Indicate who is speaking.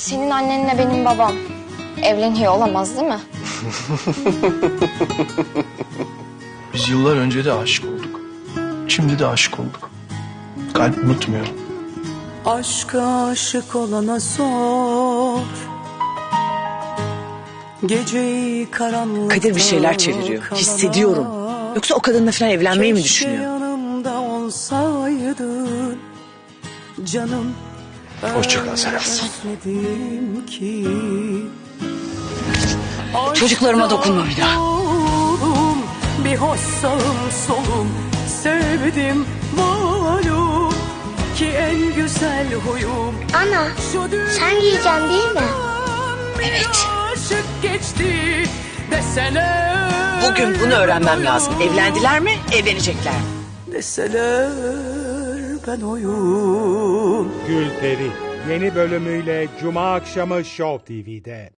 Speaker 1: Senin annenle benim babam evleniyor olamaz değil mi?
Speaker 2: Biz yıllar önce de aşık olduk. Şimdi de aşık olduk. Kalp unutmuyor.
Speaker 3: Aşka aşık olana sor. Geceyi karanlıkta
Speaker 4: Kadir bir şeyler çeviriyor. Hissediyorum. Yoksa o kadınla falan evlenmeyi mi düşünüyor?
Speaker 3: Yanımda olsaydın canım.
Speaker 2: Hoşça kal Serap.
Speaker 3: Özledim ki.
Speaker 4: Çocuklarıma dokunma bir daha.
Speaker 3: Oldum, bir hoş sağım solum sevdim malum ki en güzel huyum.
Speaker 5: Ana, sen giyeceksin değil mi?
Speaker 4: Evet.
Speaker 3: Aşık geçti deseler.
Speaker 4: Bugün bunu öğrenmem lazım. Evlendiler mi, evlenecekler mi?
Speaker 3: Deseler ben oyum.
Speaker 6: Gülperi yeni bölümüyle Cuma akşamı Show TV'de.